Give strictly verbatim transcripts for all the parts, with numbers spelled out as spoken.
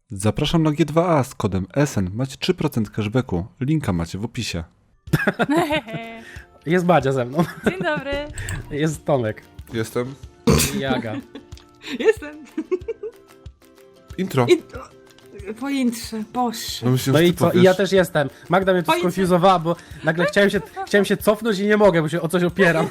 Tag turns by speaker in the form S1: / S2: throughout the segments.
S1: Zapraszam na G dwa A z kodem S N. Macie trzy procent cashbacku. Linka macie w opisie.
S2: Jest Badzia ze mną.
S3: Dzień dobry.
S2: Jest Tomek.
S1: Jestem.
S2: I Aga.
S4: Jestem.
S1: Intro.
S4: I... Po intrze, boże.
S1: No, myślę,
S2: No
S1: że
S2: i
S1: ty
S2: co? I
S1: powiesz.
S2: ja też jestem. Magda mnie tu
S4: Ojcze.
S2: skonfuzowała, bo nagle chciałem się, chciałem się cofnąć i nie mogę, bo się o coś opieram.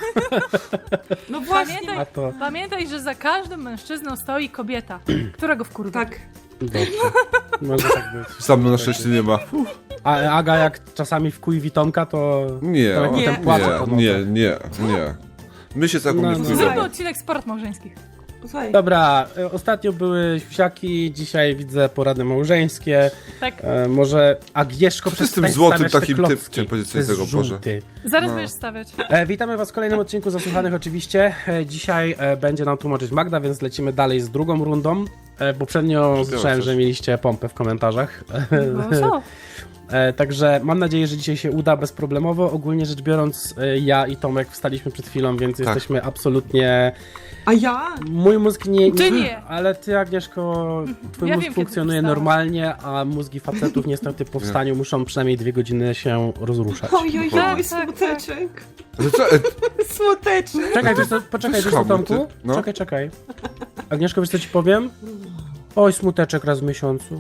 S4: No właśnie.
S3: Pamiętaj,
S2: A to...
S3: pamiętaj, że za każdym mężczyzną stoi kobieta, którego wkurwia.
S4: Tak.
S2: Dobrze. Może tak być.
S1: Sam na szczęście nie ma.
S2: A Aga jak czasami wkuj Tomka, to...
S1: Nie,
S2: to
S1: nie,
S2: potem płacze po
S1: nie,
S2: nocach.
S1: nie, nie. My się taką
S2: No,
S1: nie
S2: no.
S1: wkurwiamy.
S3: Zróbmy odcinek sport małżeńskich.
S4: Słuchaj.
S2: Dobra, e, ostatnio były siusiaki, dzisiaj widzę porady małżeńskie.
S3: Tak.
S2: E, może Agnieszko
S1: Co ty z tym
S2: przestań
S1: złotym
S2: stawiać te
S1: takim
S2: klocki.
S1: typ- chciałem powiedzieć
S2: To jest
S1: coś tego, Boże.
S2: żółty.
S3: Zaraz
S1: No.
S3: będziesz stawiać.
S2: E, witamy was w kolejnym odcinku Zasłuchanych oczywiście. E, dzisiaj e, będzie nam tłumaczyć Magda, więc lecimy dalej z drugą rundą. E, poprzednio słyszałem,
S1: coś.
S2: że mieliście pompę w komentarzach.
S3: No co?
S2: E, także mam nadzieję, że dzisiaj się uda bezproblemowo. Ogólnie rzecz biorąc, e, ja i Tomek wstaliśmy przed chwilą, więc
S1: Tak.
S2: jesteśmy absolutnie...
S4: A ja?
S2: Mój mózg nie...
S3: Ty nie.
S2: Ale ty, Agnieszko, twój
S3: Ja
S2: mózg
S3: wiem, kiedy
S2: funkcjonuje
S3: wstałeś.
S2: normalnie, a mózgi facetów niestety po wstaniu muszą przynajmniej dwie godziny się rozruszać.
S4: Oj, oj,
S3: Tak,
S4: oj,
S3: tak,
S4: smuteczek.
S1: Ale co? E,
S4: Smuteczek.
S2: Czekaj, wiesz co, poczekaj, wiesz co,
S1: Schamuj ty,
S2: Tomku?
S1: no.
S2: Czekaj, czekaj. Agnieszko, wiesz co ci powiem? Oj, smuteczek raz w miesiącu.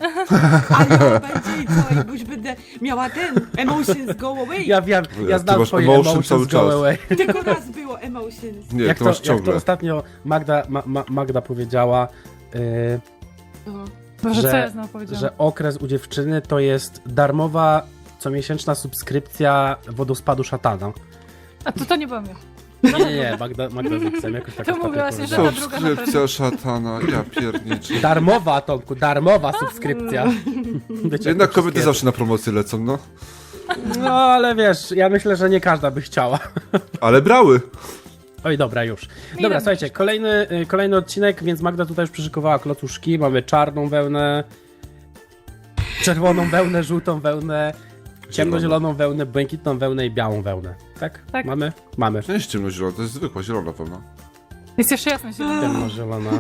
S4: A ja będzie i co? I bo już będę miała ten emotions go away.
S2: Ja wiem, ja
S1: Ty
S2: znam
S1: masz
S2: twoje
S1: emotion
S2: emotions
S1: cały
S2: go
S1: czas.
S2: away.
S4: Tylko raz było emotions.
S1: nie,
S2: Jak
S1: to
S2: to,
S1: masz
S2: jak to
S1: ciągle.
S2: ostatnio Magda, ma, ma, Magda powiedziała, yy,
S4: No.
S3: Boże,
S2: Że-
S3: co ja znowu powiedziałam?
S2: że okres u dziewczyny to jest darmowa comiesięczna subskrypcja wodospadu szatana.
S3: A to to nie byłam ja.
S2: Nie, nie, nie, Magda, Magda z X-em jakoś tak
S3: To
S2: ostatnio
S3: mówiłaś, że
S2: powiedziała.
S3: ta druga na pewno.
S1: Subskrypcja szatana, ja pierniczę.
S2: Darmowa, Tomku, darmowa subskrypcja. Wiecie,
S1: Jednak
S2: jak to
S1: kobiety
S2: wszystkie-
S1: zawsze na promocję lecą, no.
S2: No, ale wiesz, ja myślę, że nie każda by chciała.
S1: Ale brały.
S2: Oj, dobra, już.
S3: Nie
S2: Dobra,
S3: wiem,
S2: słuchajcie,
S3: Krzysztof.
S2: kolejny, y, kolejny odcinek, więc Magda tutaj już przyszykowała klocuszki. Mamy czarną wełnę, czerwoną wełnę, żółtą wełnę, ciemnozieloną wełnę, błękitną wełnę i białą wełnę. Tak?
S3: Tak.
S2: Mamy? Mamy.
S1: To nie jest ciemnozielona, to jest zwykła zielona wełna.
S3: Jest jeszcze jasno zielona.
S2: Ciemnozielona.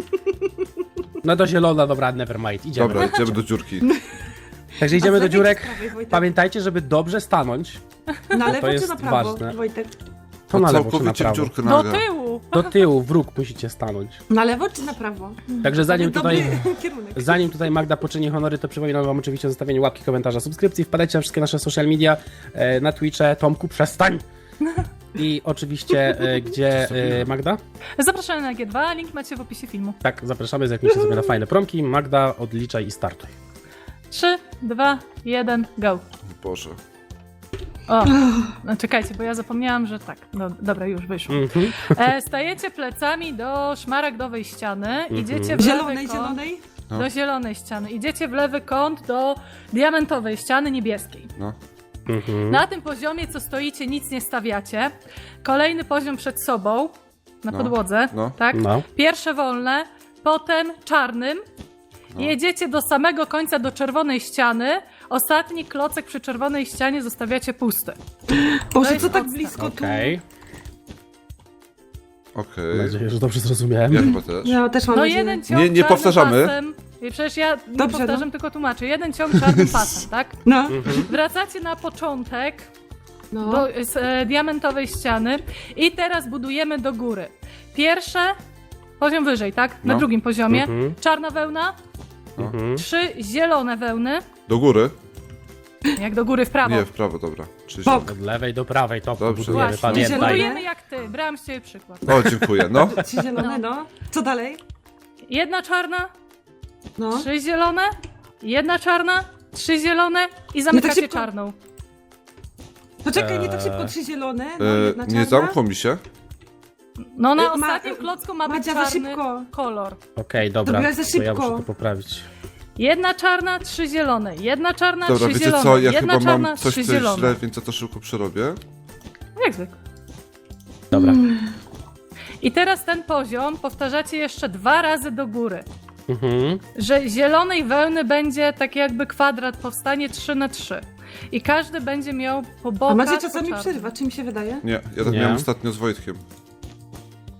S2: No to zielona, dobra, never mind, idziemy.
S1: Dobra, idziemy do dziurki.
S2: Także idziemy
S4: A
S2: do
S4: z lewej
S2: dziurek.
S4: czy z prawej, Wojtek?
S2: Pamiętajcie, żeby dobrze stanąć.
S4: Na
S2: to
S4: lewo czy
S2: jest
S4: na prawo,
S2: ważne.
S4: Wojtek?
S2: To na lewo czy na
S1: Całkowicie w
S2: prawo.
S1: dziurkę
S3: Do
S1: naga.
S3: tyłu!
S2: Do tyłu, w róg musicie stanąć.
S4: Na lewo czy na prawo?
S2: Także zanim
S4: Dobry
S2: tutaj...
S4: kierunek.
S2: Zanim tutaj Magda poczyni honory, to przypominam wam oczywiście o zostawieniu łapki, komentarza, subskrypcji. Wpadajcie na wszystkie nasze social media, e, na Twitche. Tomku, przestań! I oczywiście, e, gdzie e, Magda?
S3: Zapraszamy na G dwa, link macie w opisie filmu.
S2: Tak, zapraszamy, zerknijcie sobie na fajne promki. Magda, odliczaj i startuj.
S3: trzy, dwa, jeden, go.
S1: Boże.
S3: O, no czekajcie, bo ja zapomniałam, że tak. No, dobra, już wyszło.
S2: Mhm.
S3: E, stajecie plecami do szmaragdowej ściany, idziecie w lewy
S4: Zielonej,
S3: kąt,
S4: zielonej?
S1: No.
S3: do zielonej ściany, idziecie w lewy kąt do diamentowej ściany niebieskiej.
S1: No.
S2: Mhm.
S3: Na tym poziomie, co stoicie, nic nie stawiacie. Kolejny poziom przed sobą, na
S1: No.
S3: podłodze,
S1: No.
S3: tak?
S2: No.
S3: Pierwsze wolne, potem czarnym.
S1: No.
S3: Jedziecie do samego końca, do czerwonej ściany. Ostatni klocek przy czerwonej ścianie zostawiacie pusty.
S4: Boże,
S3: jest
S4: co tak
S3: podstaw.
S4: blisko tu?
S2: Okej.
S1: Okej.
S2: Mam nadzieję, że dobrze zrozumiałem.
S1: Ja chyba też.
S4: Ja też mam
S3: No
S4: nadzieję.
S3: jeden ciąg
S1: Nie- nie
S3: czarnym
S1: powtarzamy.
S3: pasem. I przecież ja nie
S4: Dobrze,
S3: powtarzam,
S4: no.
S3: tylko tłumaczę. Jeden ciąg czarnym pasem, tak?
S4: No,
S2: Mhm.
S3: Wracacie na początek
S4: no.
S3: do z, e, diamentowej ściany i teraz budujemy do góry. Pierwsze, poziom wyżej, tak? Na
S1: No.
S3: drugim poziomie.
S2: Mhm.
S3: Czarna wełna,
S2: Mhm.
S3: trzy zielone wełny.
S1: Do góry?
S3: Jak do góry w prawo.
S1: Nie, w prawo, dobra. Czyli
S4: Bok.
S2: Od lewej do prawej, to
S1: Dobrze.
S2: budujemy,
S3: Właśnie,
S2: pamiętaj.
S3: budujemy jak ty. Brałam z ciebie przykład.
S1: O, dziękuję, no.
S4: Trzy zielone, no. Co dalej?
S3: Jedna czarna,
S4: No.
S3: trzy zielone, jedna czarna, trzy zielone i zamykacie
S4: szybko.
S3: czarną.
S4: Poczekaj, nie tak
S2: Eee.
S4: szybko, trzy zielone, no,
S1: E,
S4: jedna
S1: nie
S4: czarna.
S1: zamkło mi się.
S3: No na
S4: E, ma-
S3: ostatnim klocku ma być
S4: Madzia, za
S3: czarny
S4: szybko.
S3: kolor.
S2: Okej, dobra,
S4: Zrobiłaś za
S2: to ja
S4: szybko.
S2: muszę to poprawić.
S3: Jedna czarna, trzy zielone, jedna czarna,
S1: Dobra,
S3: trzy
S1: wiecie
S3: zielone,
S1: co, ja
S3: jedna
S1: chyba
S3: czarna,
S1: mam coś,
S3: trzy
S1: co jest
S3: zielone.
S1: źle, więc ja to szybko przerobię.
S3: Jak zwykle.
S2: Dobra.
S3: I teraz ten poziom powtarzacie jeszcze dwa razy do góry.
S2: Mhm.
S3: Że zielonej wełny będzie tak jakby kwadrat, powstanie trzy na trzy. I każdy będzie miał po bokach...
S4: A Macie
S3: po
S4: czasami
S3: czarnym.
S4: przerwa, czy mi się wydaje?
S1: Nie, ja tak
S2: Nie.
S1: miałem ostatnio z Wojtkiem.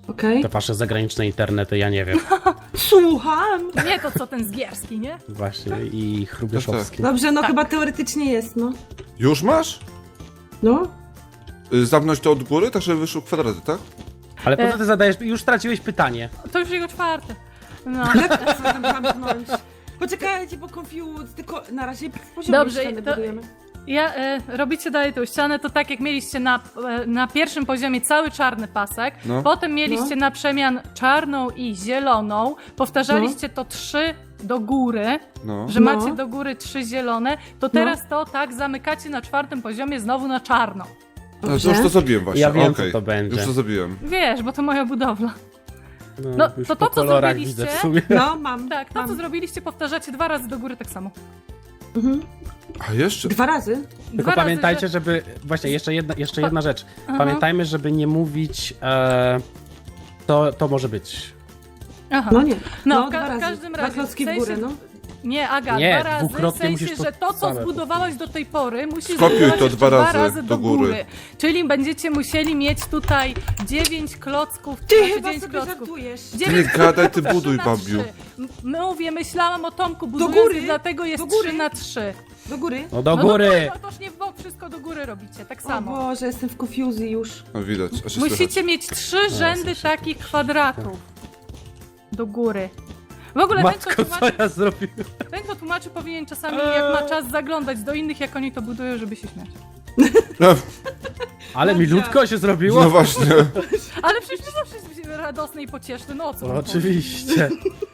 S4: Okej.
S2: Te wasze zagraniczne internety, ja nie wiem.
S4: Słucham.
S3: Nie to co ten Zgierski, nie?
S2: Właśnie, i Hrubieszowski.
S4: Dobrze, no
S3: Tak.
S4: chyba teoretycznie jest, no.
S1: Już masz?
S4: No.
S1: Y, Zamknąć to od góry, tak żeby wyszły kwadraty, tak?
S2: Ale po
S3: E.
S2: co ty zadajesz, już straciłeś pytanie.
S3: To już jego czwarte. No.
S4: Jak to co tam zamknąć? Poczekajcie, bo confused, tylko na razie poziom
S3: Dobrze,
S4: ściany
S3: to-
S4: budujemy.
S3: Ja, e, robicie dalej tą ścianę, to tak jak mieliście na, e, na pierwszym poziomie cały czarny pasek,
S1: No.
S3: potem mieliście na przemian czarną i zieloną, powtarzaliście to trzy do góry,
S1: No.
S3: że
S4: No.
S3: macie do góry trzy zielone, to teraz to tak zamykacie na czwartym poziomie znowu na czarno.
S1: A, to już to zrobiłem właśnie,
S2: Ja wiem,
S1: okej.
S2: co to będzie.
S1: Już to zrobiłem.
S3: Wiesz, bo to moja budowla.
S2: No,
S3: No,
S2: już
S3: to
S2: po
S3: to, co
S2: kolorach
S3: zrobiliście-
S2: widzę w sumie.
S4: No, mam.
S3: Tak, to
S4: mam.
S3: co zrobiliście powtarzacie dwa razy do góry tak samo.
S4: Mhm.
S1: A jeszcze?
S4: Dwa razy?
S2: Tylko
S3: Dwa razy,
S2: pamiętajcie,
S3: że-
S2: żeby... Właśnie, jeszcze jedna, jeszcze
S3: Pa-
S2: jedna rzecz.
S3: Aha.
S2: Pamiętajmy, żeby nie mówić... E, to, to może być.
S3: Aha.
S4: No nie.
S3: No,
S4: No,
S3: w ka-
S4: dwa razy.
S3: każdym
S4: Dwa
S3: razie,
S4: klocki
S3: w
S4: w
S3: sensie-
S4: górę, no.
S3: Nie, Aga,
S2: Nie,
S3: dwa razy, w
S2: dwukrotnie
S3: sensie,
S2: musisz to
S3: że to, co
S2: same
S3: zbudowałaś do tej pory, musisz
S1: Skopiuj
S3: zbudować
S1: to
S3: jeszcze
S1: dwa razy do góry.
S3: Czyli będziecie musieli mieć tutaj dziewięć klocków,
S4: Ty
S3: znaczy
S4: chyba
S3: dziewięć
S4: sobie
S3: klocków.
S4: żartujesz.
S1: Ty nie gadaj, ty buduj,
S3: na
S1: babiu.
S3: trzy. M- Mówię, myślałam o Tomku budując,
S4: góry,
S3: dlatego jest
S4: do góry.
S3: trzy na trzy.
S4: Do góry?
S2: No do
S3: No
S2: góry!
S3: No toż nie w bok, wszystko do góry robicie, tak
S4: O
S3: samo.
S4: Boże, jestem w confusji już.
S1: No widać, aż się
S3: Musicie
S1: słychać.
S3: mieć trzy rzędy
S2: słyszę.
S3: takich kwadratów do góry. W ogóle ten,
S2: Matko,
S3: kto
S2: co
S3: tłumaczy,
S2: ja zrobiłem?
S3: ten, kto tłumaczy, powinien czasami, jak ma czas, zaglądać do innych, jak oni to budują, żeby się śmiać.
S1: No,
S2: Ale
S4: Dobrze.
S2: milutko się zrobiło.
S1: no właśnie.
S3: Ale przecież nie zawsze jest radosny i pocieszny, no o co?
S2: No,
S3: wam chodzi?
S2: oczywiście.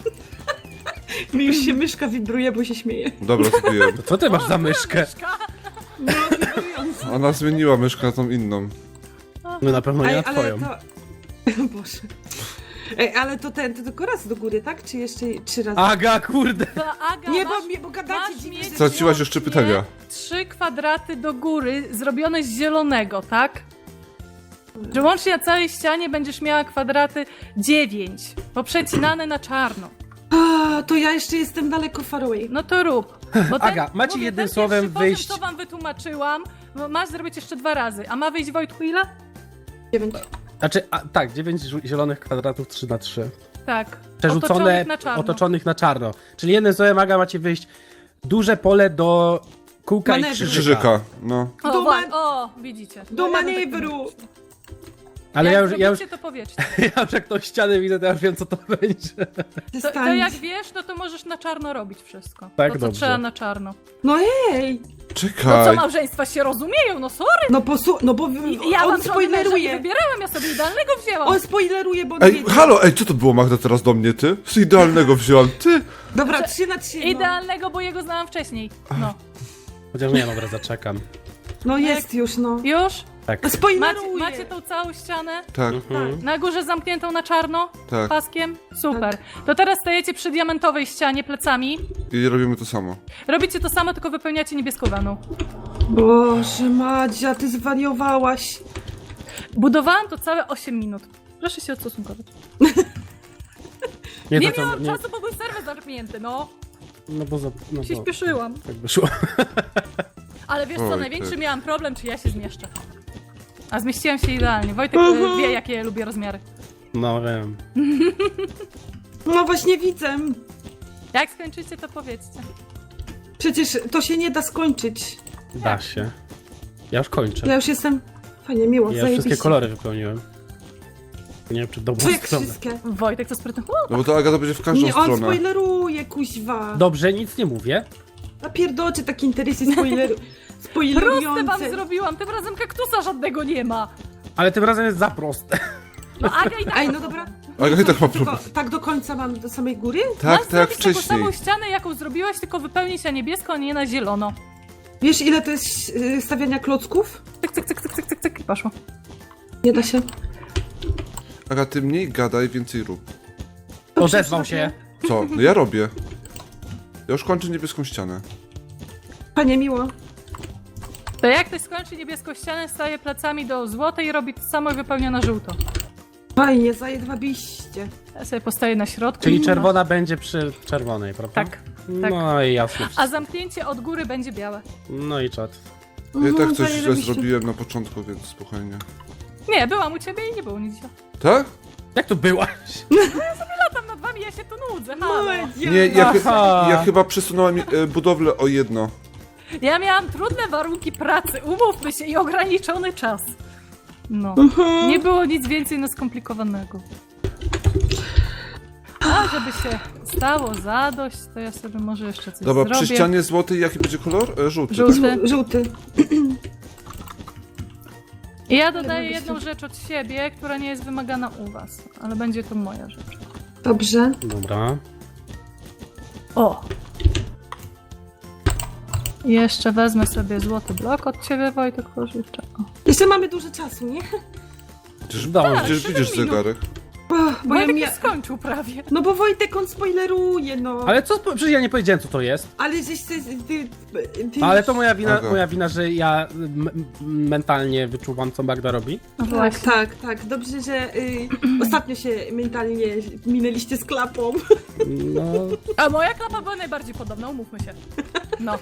S4: Mi już się myszka wibruje, bo się śmieje.
S1: Dobra, zrobiłem.
S2: Co ty masz za myszkę?
S3: Myszka.
S4: No, wibrująca.
S1: Ona zmieniła myszkę na tą inną.
S2: No na pewno nie
S4: Ej,
S2: na
S4: ale
S2: twoją.
S4: to... O Boże. Ej, ale to ten, to tylko raz do góry, tak? Czy jeszcze trzy razy?
S2: Aga, kurde!
S3: To Aga,
S4: Nie,
S3: masz,
S4: bo, mnie- bo gadacie
S3: masz
S4: dziwnie.
S3: mieć
S4: że-
S1: Straciłaś jeszcze
S3: łącznie
S1: pytania.
S3: Trzy kwadraty do góry, zrobione z zielonego, tak? Że łącznie na całej ścianie będziesz miała kwadraty dziewięć, poprzecinane na czarno.
S4: A, to ja jeszcze jestem daleko far away.
S3: No to rób. Bo ten,
S2: Aga, macie
S3: mówię,
S2: jednym
S3: ten
S2: słowem
S3: pierwszy poziom,
S2: wyjść-
S3: co wam wytłumaczyłam, bo masz zrobić jeszcze dwa razy. A ma wyjść Wojtku ile?
S4: Dziewięć.
S2: Znaczy, a, tak, dziewięć zielonych kwadratów trzy na trzy.
S3: Tak.
S2: Przerzucone,
S3: Otoczonych na czarno.
S2: otoczonych na czarno. Czyli jednym słowem, Aga, macie wyjść duże pole do kółka i
S4: Manewru.
S2: krzyżyka.
S1: Krzyżyka, no.
S3: O,
S4: Do
S3: wa-
S4: man-
S3: o widzicie.
S4: Do
S3: No, ja bym
S4: manewru!
S2: Ale
S3: jak
S2: ja już, ja, już,
S3: zrobicie, to powiedzcie.
S2: ja już jak tą ścianę widzę, to ja już wiem, co to będzie.
S3: To, to
S4: Przestań.
S3: jak wiesz, no to możesz na czarno robić wszystko.
S2: Tak,
S3: to, co
S2: dobrze.
S3: trzeba na czarno.
S4: No ej!
S3: No co,
S1: Czekaj.
S3: małżeństwa się rozumieją, no sorry.
S4: No posłu... No bo
S3: I ja
S4: on
S3: wam żony męża nie
S4: spoileruje.
S3: wybierałam, ja sobie idealnego wzięłam.
S4: On spoileruje, bo on
S1: Ej,
S4: wiedzie.
S1: halo, ej, co to było, Magda, teraz do mnie, ty? Z idealnego wziąłem, ty?
S4: Dobra, trzy na trzy. No,
S3: Idealnego, bo jego znałam wcześniej. No.
S2: Chociaż nie, dobra, zaczekam.
S4: no jest już, no.
S3: Już?
S2: Tak.
S4: No
S3: Macie,
S4: spoileruje.
S3: macie tą całą ścianę?
S1: Tak,
S2: Mhm.
S3: Na górze zamkniętą na czarno?
S1: tak.
S3: Paskiem? Super. To teraz stajecie przy diamentowej ścianie plecami.
S1: I robimy to samo.
S3: Robicie to samo, tylko wypełniacie niebieską wełną.
S4: Boże, Madzia, ty zwariowałaś.
S3: Budowałam to całe osiem minut. Proszę się odstosunkować.
S2: Nie,
S3: Nie
S2: to co,
S3: miałam
S2: nie,
S3: czasu, bo był serwer zamknięty, no.
S2: no bo, za, no
S3: Się
S2: bo
S3: śpieszyłam.
S2: tak by szło.
S3: Ale wiesz co,
S1: Oj,
S3: największy
S1: ty.
S3: miałam problem, czy ja się zmieszczę. A zmieściłam się idealnie. Wojtek e, wie, jakie ja lubię rozmiary.
S2: No wiem.
S4: No właśnie widzę.
S3: Jak skończycie, to powiedzcie.
S4: Przecież to się nie da skończyć.
S2: Da się. Ja już kończę.
S4: Ja już jestem... Fajnie, miło,
S2: Ja już
S4: zajebiście.
S2: wszystkie kolory wypełniłem. Nie wiem, czy dobrą
S4: Co jak
S2: stronę.
S4: wszystkie?
S3: Wojtek to sprytny.
S1: No bo to Aga to będzie w każdą
S4: Nie, on
S1: stronę.
S4: spoileruje, kuźwa.
S2: Dobrze, nic nie mówię.
S4: A pierdocie takie interesy spoileru...
S3: Proste
S4: spoilerujące.
S3: wam zrobiłam, tym razem kaktusa żadnego nie ma.
S2: Ale tym razem jest za proste.
S3: No Aga i tak.
S4: Ej, no dobra.
S1: Aga i tak ma
S4: Tylko
S1: problem.
S4: tak do końca mam do samej góry?
S1: Tak,
S3: Masz
S1: tak jak
S3: zrobić taką
S1: wcześniej.
S3: samą ścianę, jaką zrobiłaś, tylko wypełnić na niebiesko, a nie na zielono.
S4: Wiesz ile to jest yy, stawiania klocków?
S3: Cyk, cyk, cyk, cyk, cyk, cyk, cyk i poszło.
S4: Nie da się.
S1: Aga, ty mniej gadaj, więcej rób.
S4: Dobrze,
S2: Odezwał się.
S1: Co? No ja robię. Ja już kończę niebieską ścianę.
S4: Panie miło.
S3: To jak ktoś skończy niebieską ścianę, staje plecami do złotej i robi to samo i wypełnia na żółto.
S4: Fajnie, zajedwabiście.
S3: Ja sobie postaję na środku.
S2: Czyli czerwona będzie przy czerwonej, prawda?
S3: Tak, tak.
S2: No i jasne.
S3: A zamknięcie od góry będzie białe.
S2: No i czat.
S1: Ja i tak
S4: Mhm,
S1: coś źle
S4: zajebiście.
S1: zrobiłem na początku, więc spokojnie.
S3: Nie, byłam u ciebie i nie było nic źle.
S1: Tak?
S2: Jak to byłaś?
S3: Latam nad wami, ja się tu nudzę, halo.
S4: No,
S1: Nie, ja, chy-
S2: Aha.
S1: ja chyba przesunąłem e, budowlę o jedno.
S3: Ja miałam trudne warunki pracy, umówmy się, i ograniczony czas. No, nie było nic więcej no skomplikowanego. A żeby się stało zadość, to ja sobie może jeszcze coś
S1: Dobra,
S3: zrobię.
S1: przy ścianie złotej jaki będzie kolor? E, żółty.
S3: Żółty.
S1: Tak?
S4: Żół- żółty.
S3: I ja dodaję
S4: Dobra,
S3: jedną rzecz od siebie, która nie jest wymagana u was, ale będzie to moja rzecz.
S4: Dobrze.
S2: Dobra.
S3: O! I jeszcze wezmę sobie złoty blok od ciebie, Wojtek, pożyczę. O.
S4: Jeszcze mamy dużo czasu, nie?
S1: Przecież,
S2: Udało mi się.
S1: przecież widzisz
S3: siedem minut.
S1: zegarek.
S4: Ach, bo ja
S3: Wojtek
S4: mia...
S3: już skończył prawie.
S4: No bo Wojtek on spoileruje, no.
S2: Ale co, spo- przecież ja nie powiedziałem co to jest.
S4: Ale żeś ty, ty, ty...
S2: Ale to moja wina,
S1: Aga.
S2: moja wina, że ja m- m- mentalnie wyczuwam, co Magda robi.
S3: No
S4: Tak,
S3: właśnie.
S4: tak, tak. Dobrze, że y, ostatnio się mentalnie minęliście z klapą.
S2: No,
S3: A moja klapa była najbardziej podobna, umówmy się. No.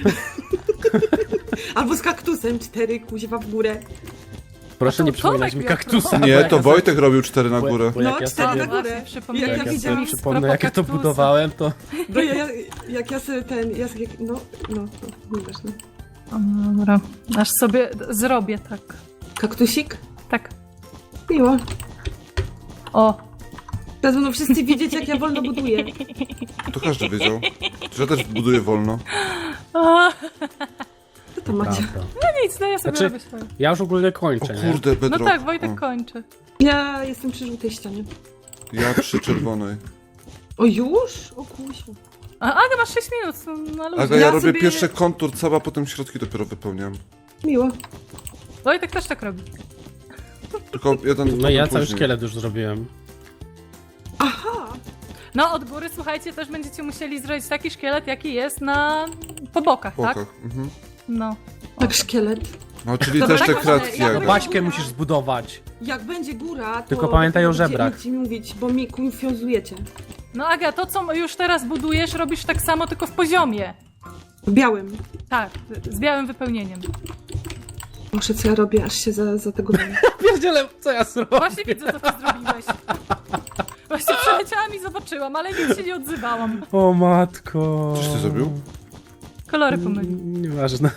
S4: Albo z kaktusem, cztery kuźwa w górę.
S2: proszę
S3: to
S2: nie
S3: Tomek
S2: przypominać mi
S3: miał
S2: kaktusa.
S3: problem.
S2: bo
S1: Nie,
S2: jak
S1: to
S2: ja sobie-
S1: Wojtek robił cztery na
S2: bo-
S1: górę.
S2: bo jak
S4: No,
S2: ja
S4: cztery
S2: sobie-
S4: na górę.
S3: Właśnie, przypomniałem
S4: Ja-
S2: Jak
S4: ja
S2: ja
S4: widzę
S2: sobie
S4: mi
S2: przypomnę, jak ja to budowałem, to...
S4: Bo ja, ja, jak ja sobie ten, ja sobie, no, no, no, nieważne.
S3: Dobra, aż sobie d- zrobię tak.
S4: Kaktusik?
S3: Tak.
S4: Miło.
S3: O.
S4: Teraz będą wszyscy wiedzieć, jak ja wolno buduję.
S1: To każdy wiedział. Że ja też buduję wolno.
S3: O,
S4: Co to macie?
S2: Prawda.
S3: no nic, no ja sobie
S2: Znaczy-
S3: robię swoje.
S2: Ja już ogólnie
S1: O
S2: kończę, nie?
S1: kurde,
S3: No
S1: bedrock.
S3: tak, Wojtek
S1: O,
S3: kończy.
S4: Ja jestem przy żółtej ścianie.
S1: ja przy czerwonej.
S4: O już? O kusiu.
S3: A Aga, masz sześć minut, no, na luzie.
S1: Aga, ja,
S4: Ja
S1: robię
S4: sobie-
S1: pierwszy kontur cały, a potem środki dopiero wypełniam.
S4: Miło.
S3: Wojtek też tak robi.
S1: Tylko jeden
S2: No ja
S1: potem
S2: cały
S1: później.
S2: szkielet już zrobiłem.
S4: Aha!
S3: No od góry, słuchajcie, też będziecie musieli zrobić taki szkielet, jaki jest na... po bokach,
S1: Po
S3: tak?
S1: bokach. Mhm.
S3: No.
S4: Tak szkielet.
S1: No, czyli
S4: Dobra,
S1: też te
S4: tak,
S1: kratki
S4: ale ja-
S1: jakby.
S2: Baśkę musisz zbudować.
S4: Jak będzie góra, to...
S2: Tylko pamiętaj o
S4: będziecie-
S2: żebrach.
S4: Będziecie mówić, bo mi konfuzujecie.
S3: No Aga, to co już teraz budujesz, robisz tak samo, tylko w poziomie.
S4: W białym.
S3: Tak, z białym wypełnieniem.
S4: Muszę, co ja robię, aż się za, za tego dam.
S2: Pierdziele, co ja zrobię?
S3: Właśnie widzę, co ty zrobiłeś. Właśnie przeleciałam i zobaczyłam, ale nic się nie odzywałam.
S2: O matko.
S1: Coś ty zrobił?
S3: Kolory pomylił.
S2: Mm, Nieważne.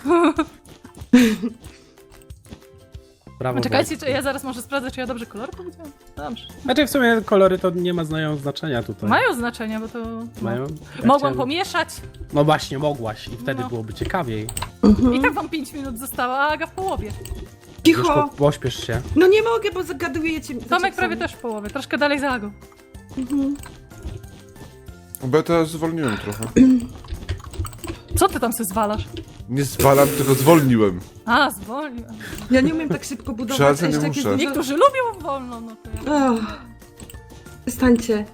S2: Brawo.
S3: Czekajcie, czy ja zaraz może sprawdzę, czy ja dobrze kolory powiedziałam? Dobrze.
S2: Znaczy w sumie kolory to nie ma znają znaczenia tutaj.
S3: Mają znaczenie, bo to... no.
S2: Mają? Ja
S3: Mogłam
S2: chciałem-
S3: pomieszać
S2: No właśnie, mogłaś i wtedy
S3: No.
S2: byłoby ciekawiej.
S3: i tak wam pięć minut zostało, a Aga w połowie.
S2: Już
S4: Cicho!
S2: po, pośpiesz się.
S4: No nie mogę, bo zagadujecie.
S3: Tomek prawie też w połowie, troszkę dalej za Agą.
S4: Mhm.
S1: Bo ja teraz zwolniłem trochę.
S3: Co ty tam se zwalasz?
S1: Nie zwalam, tylko zwolniłem.
S3: A, zwolnił.
S4: Ja nie umiem tak szybko budować.
S1: Przepraszam,
S4: a jeszcze
S1: nie
S4: jak jest
S1: muszę.
S4: dużo-
S3: Niektórzy lubią wolno, no to ja...
S4: Ach. Przestańcie.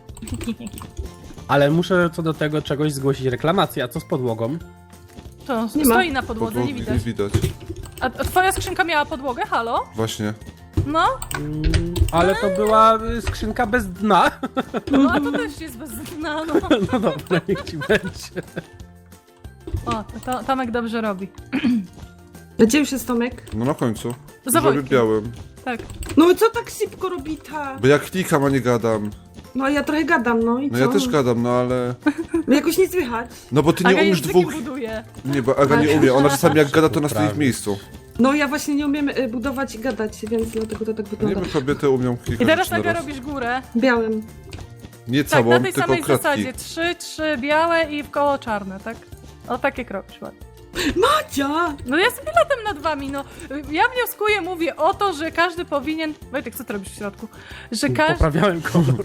S2: Ale muszę co do tego czegoś zgłosić reklamację. A co z podłogą?
S3: To
S4: Nie ma.
S3: stoi na podłodze,
S1: Podłogi
S3: nie widać.
S1: widać.
S3: A, a twoja skrzynka miała podłogę? Halo?
S1: Właśnie.
S3: No?
S2: Mm, ale to była y, skrzynka bez dna.
S3: No, a to też jest bez dna, no.
S2: No dobra, niech ci będzie.
S3: O, to, to Tomek dobrze robi.
S4: Gdzie już jest Tomek?
S1: No na końcu.
S3: Za
S1: Zrobię
S3: Wojtkiem.
S1: białym.
S3: Tak.
S4: No i co tak szybko robi ta?
S1: Bo ja klikam, a nie gadam.
S4: No a ja trochę gadam, no i
S1: No
S4: co?
S1: ja też gadam, no ale...
S4: No jakoś nie słychać.
S1: No bo ty nie
S3: Aga
S1: umiesz
S3: językiem
S1: dwóch...
S3: buduje.
S1: Nie, bo Aga nie umie. Ona czasami jak gada, to na swoim miejscu.
S4: No ja właśnie nie umiem y, budować i gadać, więc dlatego to tak
S1: Nie
S4: wygląda.
S1: wiem, kobiety umią kilka
S3: I teraz
S1: rzeczy na
S3: Aga
S1: raz.
S3: robisz górę.
S4: Białym.
S1: Nie
S3: Tak,
S1: całą,
S3: na tej
S1: tylko
S3: samej
S1: kratki.
S3: zasadzie. Trzy, trzy białe i w koło czarne, tak? O, tak jak robisz ładnie.
S4: Macia!
S3: No ja sobie latam nad wami, no. Ja wnioskuję, mówię o to, że każdy powinien... Wojtek, co ty robisz w środku? Że każdy...
S2: Poprawiałem kolor.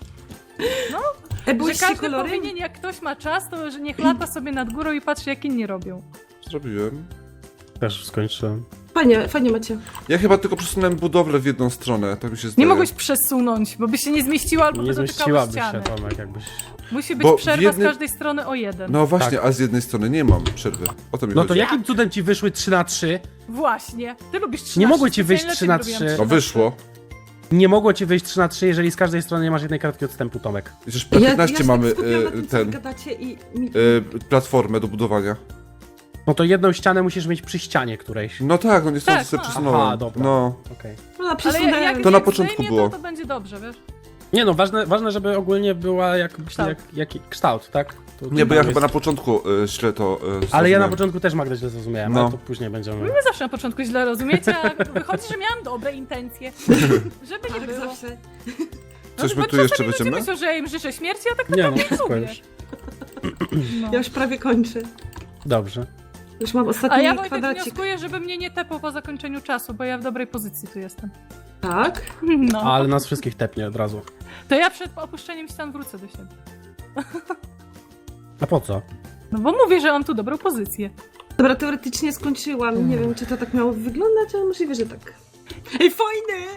S4: E,
S3: Że
S4: byłyście
S3: każdy
S4: kolory?
S3: powinien, jak ktoś ma czas, to że niech lata sobie nad górą i patrzy, jak inni robią.
S1: Zrobiłem.
S2: Też już skończyłem.
S4: Fajnie, fajnie macie.
S1: Ja chyba tylko przesunąłem budowlę w jedną stronę, tak mi się zdaje.
S3: Nie mogłeś przesunąć, bo by się nie zmieściła albo
S2: Nie
S3: by dotykało
S2: zmieściłabyś
S3: ściany.
S2: się, Tomek, jakbyś...
S3: Musi być
S1: Bo w
S3: przerwa
S1: jednym-
S3: z każdej strony o jeden.
S1: No właśnie, a z jednej strony nie mam przerwy. O to mi
S2: No to
S1: chodzi.
S2: jakim cudem ci wyszły trzy na trzy?
S3: Właśnie. Ty lubisz trzy
S2: Nie
S3: na
S2: mogło
S3: trzy,
S2: ci wyjść
S3: specjalnie
S2: trzy na
S3: lepiej
S2: trzy.
S3: robiłam
S1: No wyszło.
S2: Nie mogło ci wyjść trzy na trzy, jeżeli z każdej strony nie masz jednej kartki odstępu, Tomek.
S1: Przecież P piętnaście
S4: ja, ja
S1: mamy
S4: się skupiam na
S1: e,
S4: tym, co
S1: ten,
S4: gadacie i... Mi...
S1: e, platformę do budowania.
S2: No to jedną ścianę musisz mieć przy ścianie którejś.
S1: No tak, no niestety
S3: Tak,
S1: sobie
S3: no.
S1: przesunąłem.
S2: Aha, dobra.
S1: No.
S2: Okej.
S4: A,
S3: Ale
S4: przesunąłem.
S3: jak
S1: To na
S3: jak
S1: początku
S3: zdejmie,
S1: było.
S3: To, to będzie dobrze, wiesz?
S2: Nie no, ważne, ważne żeby ogólnie była jak,
S3: Kształt.
S2: jak, jaki kształt, tak? To,
S1: Nie, bo ja
S2: to
S1: chyba
S2: jest-
S1: na początku y, źle to y,
S2: Ale ja na
S1: zrozumiałem.
S2: początku też Magda źle zrozumiałem,
S1: No.
S2: ale to później będziemy...
S3: Wy zawsze na początku źle rozumiecie, a wychodzi, że miałam dobre intencje. Żeby nie
S4: Tak
S3: było.
S4: zawsze.
S1: Coś
S3: No,
S1: my
S3: bo
S1: tu jeszcze
S3: czasami ludzie
S1: będziemy?
S3: myślą, że ja im życzę śmierci, a tak
S2: Nie no,
S3: naprawdę
S2: wszystko
S3: lubię.
S2: już.
S3: No.
S4: Ja już prawie kończę.
S2: Dobrze.
S4: Już mam
S3: A
S4: ostatni
S3: ja Wojtek
S4: kwadracik.
S3: wnioskuję, żeby mnie nie tepał po zakończeniu czasu, bo ja w dobrej pozycji tu jestem.
S4: Tak?
S3: No.
S2: Ale nas wszystkich tepnie od razu.
S3: To ja przed opuszczeniem stan wrócę do siebie.
S2: A po co?
S3: No bo mówię, że mam tu dobrą pozycję.
S4: Dobra, teoretycznie skończyłam. Nie wiem, czy to tak miało wyglądać, ale możliwe, że tak. Ej, fajne!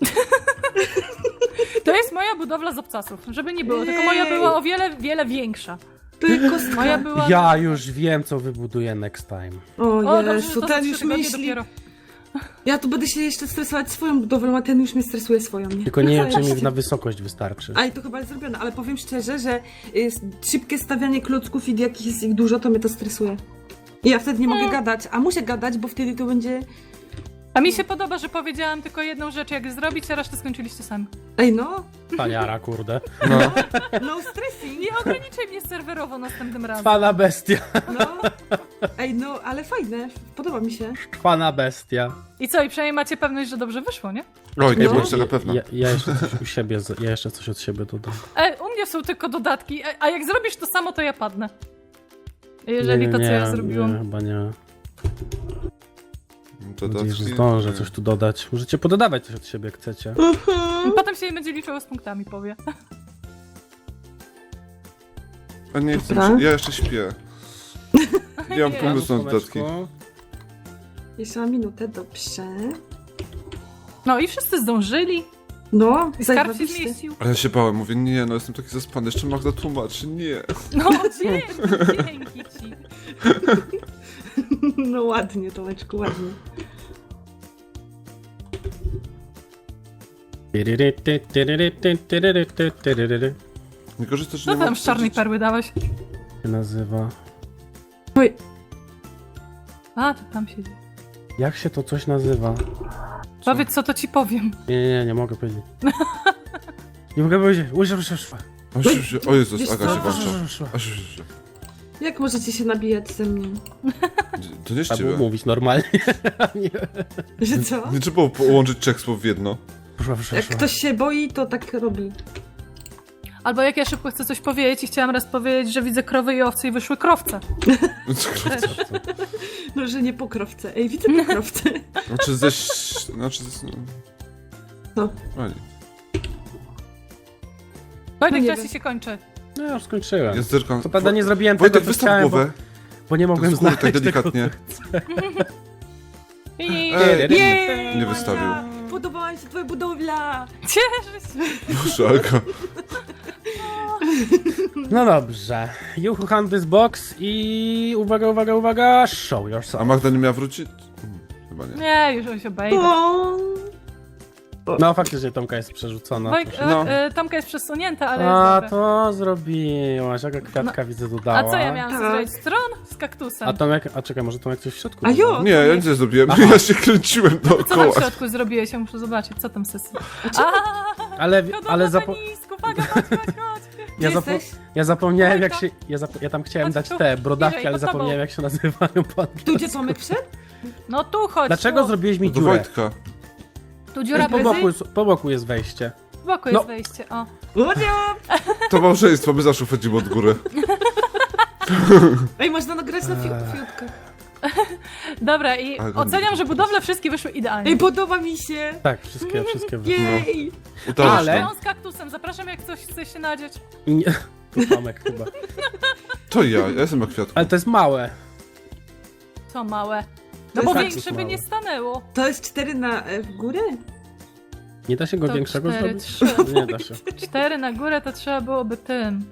S3: To jest moja budowla z obcasów, żeby nie było, tylko moja była o wiele, wiele większa.
S4: To jest kostka.
S3: Moja była...
S2: Ja już wiem, co wybuduję next time.
S4: O
S3: O, dobrze, że
S4: Jezu,
S3: to za
S4: ten
S3: trzy
S4: już
S3: tygodnie
S4: myśli.
S3: dopiero.
S4: Ja tu będę się jeszcze stresować swoją budowlą, a ten już mnie stresuje swoją, nie?
S2: Tylko nie wiem, czy mi
S4: Zajebiście.
S2: na wysokość wystarczy.
S4: A i to chyba jest zrobione, ale powiem szczerze, że jest szybkie stawianie klocków i jak jest ich dużo, to mnie to stresuje. I ja wtedy nie mogę gadać, a muszę gadać, bo wtedy to będzie...
S3: A mi się podoba, że powiedziałam tylko jedną rzecz, jak zrobić, a resztę skończyliście sami.
S4: Ej no,
S2: Paniara, kurde.
S1: No.
S4: no stressing,
S3: Nie ograniczaj mnie serwerowo następnym razem.
S2: Pana bestia.
S4: no. Ej no, ale fajne, podoba mi się.
S2: Pana bestia.
S3: I co, i przynajmniej macie pewność, że dobrze wyszło, nie?
S1: Oj, nie
S4: No.
S1: byłem tego pewna.
S2: Ja, ja jeszcze coś u siebie, z- ja jeszcze coś od siebie dodam.
S3: E, u mnie są tylko dodatki, a, a jak zrobisz to samo, to ja padnę. Jeżeli
S2: nie,
S3: to, co
S2: nie,
S3: ja
S2: nie,
S3: zrobiłam.
S2: chyba nie.
S1: To
S2: Mam nadzieję, że
S1: dodatki-
S2: zdążę coś tu dodać. Możecie pododawać coś od siebie, jak chcecie.
S3: Potem się będzie liczyło z punktami, powie.
S1: A nie chcę,
S4: Dobra.
S1: ja jeszcze śpię. Ja mam
S3: Nie.
S1: pomysł na dodatki.
S2: Słoneczko.
S4: Jeszcze mam minutę, dobrze.
S3: No i wszyscy zdążyli.
S4: No,
S3: I skarb się
S4: zajebiście.
S3: zmieścił.
S1: A ja się bałem, mówię, nie, no jestem taki zaspany, jeszcze Magda tłumaczy, nie.
S3: No dzięki, dzięki ci.
S4: No ładnie, Tomeczku, ładnie.
S1: Nie korzystasz, że
S3: Co
S1: nie
S3: tam
S1: mam
S3: z czarnej
S1: powiedzieć?
S3: perły dałeś?
S2: się nazywa.
S4: Oj,
S3: A, to tam siedzi.
S2: Jak się to coś nazywa?
S3: Powiedz, co to ci powiem.
S2: Nie, nie, nie, nie mogę powiedzieć. Nie mogę powiedzieć. Łyżę, łyżę, łyżę.
S1: O, się- się- o Jezus,
S4: Wiesz
S1: Aga
S4: co?
S1: się włącza. A się- się- się.
S4: jak możecie się nabijać ze mnie?
S1: To nie z
S2: Trzeba było
S1: ciebie.
S2: mówić normalnie. Nie.
S4: Że co?
S1: Nie trzeba było połączyć trzech słów w jedno.
S2: Proszę, proszę,
S4: Jak
S2: proszę.
S4: ktoś się boi, to tak robi.
S3: Albo jak ja szybko chcę coś powiedzieć i chciałam raz powiedzieć, że widzę krowy i owce i wyszły krowce. Też.
S4: No, że nie pokrowce. Ej, widzę pokrowce.
S1: Znaczy ze... Znaczy ze...
S4: Co?
S1: A nie.
S3: Wojtek,
S4: nie
S3: czas
S4: wiem.
S3: ci się kończy.
S2: No ja już skończyłem.
S1: Ja zerkam.
S2: Co prawda nie zrobiłem
S1: Wojtek,
S2: tego, co
S1: wystaw
S2: chciałem,
S1: głowę.
S2: bo, bo nie
S1: Tak
S2: mogłem
S1: z góry,
S2: znaleźć
S1: tak delikatnie.
S3: I
S1: Ej,
S4: Jej!
S1: nie wystawił.
S4: Podobała mi się twoja budowla!
S3: cieszę się.
S1: Proszę, Aga.
S2: No dobrze. You who hunt this box i uwaga, uwaga, uwaga, show
S1: A
S2: yourself.
S1: Magda nie miała wrócić? Hmm, Chyba nie.
S3: Nie, już on się obejdzie.
S4: O!
S2: No faktycznie Tomka jest przerzucona.
S3: Wojk,
S2: proszę.
S1: No.
S3: e, e, Tomka jest przesunięta, ale
S2: A,
S3: jest dobra.
S2: to zrobiłaś. Jaka kwiatka widzę dodała.
S3: A co ja miałam
S4: Tak.
S3: zrobić? Stron z kaktusem.
S2: A Tomek, a czekaj, może Tomek coś w środku
S4: A jo!
S2: dodał?
S1: Nie, ja nic nie zrobiłem.
S2: Aha.
S1: Ja się kręciłem
S3: Co tam
S1: dookoła.
S3: w środku zrobiłeś? Ja muszę zobaczyć, co tam sesji.
S2: Ale,
S3: Hodowla
S2: ale zapo
S3: penisku, uwaga, chodź, chodź, chodź.
S2: ja,
S4: Gdzie
S2: zapo
S4: jesteś?
S2: ja zapomniałem jak
S3: Wojtka.
S2: się... Ja, zap ja tam chciałem
S3: Chodź
S2: dać
S3: tu,
S2: te brodawki,
S3: bliżej,
S2: ale
S3: pod tobą.
S2: zapomniałem jak się nazywają po
S4: Tu gdzie Tomek wszedł?
S3: No tu chodź.
S2: Dlaczego
S3: tu.
S2: zrobiłeś mi
S1: Do
S2: dziurę?
S1: Wojtka.
S3: Tu dziura
S2: Po
S3: bez...
S2: boku, jest- po boku jest wejście.
S3: W boku
S2: No.
S3: jest wejście, o.
S4: Łodzio!
S1: To małżeństwo, my zawsze wchodzimy od góry.
S4: Ej, można nagrać na fiut- fiutkach.
S3: Dobra, i
S1: Ale-
S3: oceniam, że budowle wszystkie wyszły idealnie.
S4: Ej, podoba mi się!
S2: Tak, wszystkie, wszystkie wyszły.
S4: Jej!
S1: Udało
S2: Ale-
S1: się.
S3: On z kaktusem, zapraszam jak coś chce się nadzieć.
S2: I nie... To Tomek chyba.
S1: To ja, ja jestem na kwiatku.
S2: Ale to jest małe.
S3: Co małe. No
S4: To
S3: bo
S2: jest
S3: większe
S2: kaktus
S3: by
S2: mały.
S3: nie stanęło.
S4: To jest cztery na e, w górę?
S2: Nie da się go
S3: To
S2: większego
S3: cztery,
S2: zrobić?
S3: trzy.
S2: Nie da się.
S3: Cztery na górę to trzeba byłoby tym.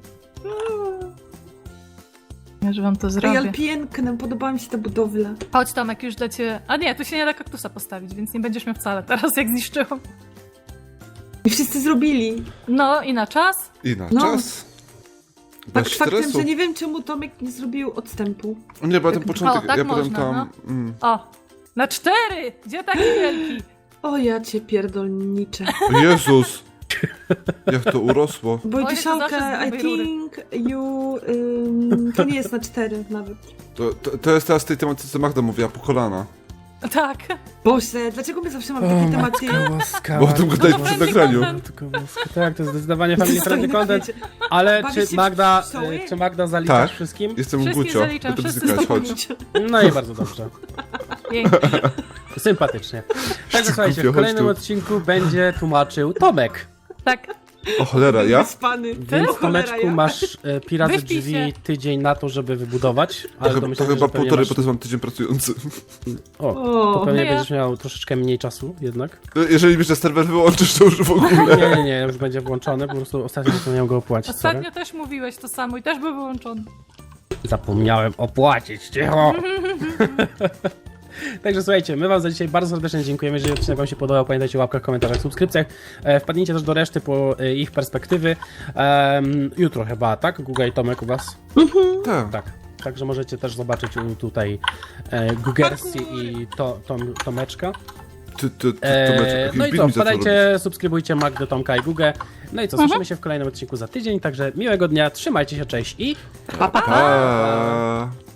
S3: Ja, że wam to
S4: Ej,
S3: zrobię.
S4: ale piękne, podobała mi się ta budowla.
S3: Chodź Tomek, już dla ciebie... A nie, tu się nie da kaktusa postawić, więc nie będziesz miał wcale teraz, jak zniszczyłam.
S4: I wszyscy zrobili.
S3: No i na czas.
S1: I na
S4: No.
S1: czas.
S4: Tak
S1: Bez
S4: faktem,
S1: stresu.
S4: że nie wiem czemu Tomek nie zrobił odstępu.
S1: Nie, bo ja ten
S4: Tak-
S1: początek,
S3: O, tak
S1: ja potem
S3: można,
S1: tam... Mm.
S3: O, na cztery! Gdzie taki wielki?
S4: O ja cię pierdolniczę.
S1: O Jezus! Jak to urosło.
S4: Bo
S3: Oj, to
S4: dziesiątkę,
S3: zawsze z
S4: I
S3: grubej rury.
S4: think you... Ym, to nie jest na cztery nawet.
S1: To, to, to jest teraz tej tematyce, co Magda mówiła, po kolana.
S3: Tak.
S4: Boże, dlaczego my zawsze mamy takie tematy?
S2: Łaskawa.
S1: Bo o tym gadaliśmy
S3: to
S1: przy
S3: friendly
S1: nagraniu.
S3: content.
S2: Tylko łaska- Tak, to jest zdecydowanie family friendly
S4: Dostojny
S2: content.
S4: wiecie.
S2: Ale
S4: Bawisz
S2: czy
S4: się w
S2: Magda,
S4: pszczoły?
S2: y, czy Magda zaliczasz
S1: Tak.
S2: wszystkim?
S1: Jestem
S3: Wszystkich
S1: Gucio.
S3: zaliczam,
S1: Będę
S3: wszyscy
S1: bzykać,
S3: są
S1: chodź.
S2: No i bardzo dobrze.
S3: Pięknie.
S2: Sympatycznie. Także słuchajcie,
S1: Głupio,
S2: w
S1: chodź
S2: kolejnym
S1: tu.
S2: odcinku będzie tłumaczył Tomek.
S3: Tak.
S1: O cholera, ja?
S4: Wyspany.
S2: Więc
S4: O cholera,
S2: Tomeczku
S4: ja.
S2: masz e, Pirazy
S3: Wyśpij
S2: drzwi
S3: się.
S2: tydzień na to, żeby wybudować. Ale
S1: To,
S2: to,
S1: chyba-
S2: myślę,
S1: to chyba
S2: że pewnie
S1: półtorej,
S2: masz...
S1: bo to jest mam tydzień pracujący.
S2: O,
S4: O,
S2: to pewnie
S3: no ja.
S2: będziesz miał troszeczkę mniej czasu jednak.
S1: Jeżeli mi że serwer wyłączysz, to już w ogóle.
S2: Nie, nie, nie, już będzie włączony, po prostu ostatnio zapomniałem go opłacić.
S3: Ostatnio
S2: Sorry.
S3: też mówiłeś to samo i też był wyłączony.
S2: Zapomniałem opłacić, cicho! Także słuchajcie, my wam za dzisiaj bardzo serdecznie dziękujemy. Jeżeli odcinek wam się podobał, pamiętajcie o łapkach, komentarzach, subskrypcjach. E, wpadnijcie też do reszty po e, ich perspektywy. Em, jutro chyba, tak? Guga i Tomek u was?
S1: Tak.
S2: Tak. Także możecie też zobaczyć u- tutaj e, Gugersi i to, Tom, Tomeczka.
S1: Ty, ty, ty,
S2: E,
S1: Tomeczek,
S2: no i
S1: jaki
S2: co,
S1: beat mi zaczął robić.
S2: wpadajcie, subskrybujcie Magdę, Tomka i Gugę. No i co, słyszymy się w kolejnym odcinku za tydzień. Także miłego dnia, trzymajcie się, cześć i...
S4: Pa, pa.
S1: Pa.